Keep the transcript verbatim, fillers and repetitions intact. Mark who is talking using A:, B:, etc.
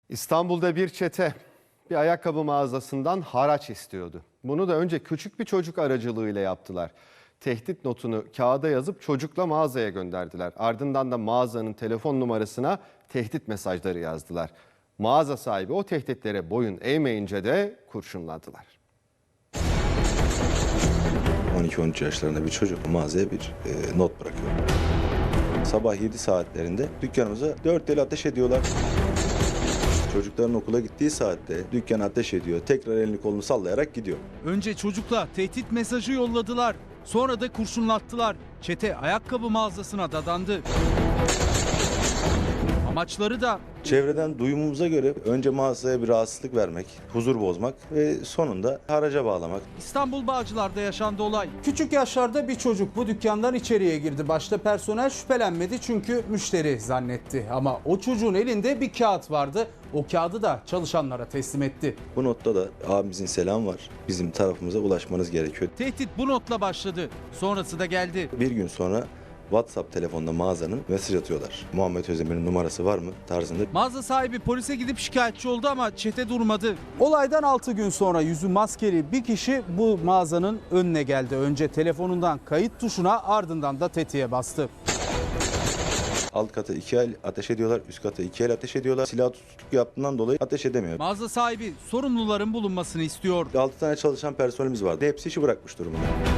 A: İstanbul'da bir çete bir ayakkabı mağazasından haraç istiyordu. Bunu da önce küçük bir çocuk aracılığıyla yaptılar. Tehdit notunu kağıda yazıp çocukla mağazaya gönderdiler. Ardından da mağazanın telefon numarasına tehdit mesajları yazdılar. Mağaza sahibi o tehditlere boyun eğmeyince de kurşunladılar.
B: on iki on üç yaşlarında bir çocuk mağazaya bir e, not bırakıyor. Sabah yedi saatlerinde dükkanımıza dört el ateş ediyorlar. Çocukların okula gittiği saatte dükkan ateş ediyor. Tekrar elini kolunu sallayarak gidiyor.
C: Önce çocukla tehdit mesajı yolladılar. Sonra da kurşunlattılar. Çete ayakkabı mağazasına dadandı. Amaçları da
B: Çevreden duyumumuza göre önce mağazaya bir rahatsızlık vermek, huzur bozmak ve sonunda haraca bağlamak.
C: İstanbul Bağcılar'da yaşandı olay.
D: Küçük yaşlarda bir çocuk bu dükkandan içeriye girdi. Başta personel şüphelenmedi çünkü müşteri zannetti. Ama o çocuğun elinde bir kağıt vardı. O kağıdı da çalışanlara teslim etti.
B: Bu notta da abimizin selamı var. Bizim tarafımıza ulaşmanız gerekiyor.
C: Tehdit bu notla başladı. Sonrası da geldi.
B: Bir gün sonra WhatsApp telefonda mağazanın mesaj atıyorlar. Muhammed Özdemir'in numarası var mı tarzında.
C: Mağaza sahibi polise gidip şikayetçi oldu ama çete durmadı.
D: Olaydan altı gün sonra yüzü maskeli bir kişi bu mağazanın önüne geldi. Önce telefonundan kayıt tuşuna, ardından da tetiğe bastı.
B: Alt kata iki el ateş ediyorlar, üst kata iki el ateş ediyorlar. Silah tutukluk yaptığından dolayı ateş edemiyor.
C: Mağaza sahibi sorumluların bulunmasını istiyor.
B: altı tane çalışan personelimiz vardı. Hepsi işi bırakmış durumda.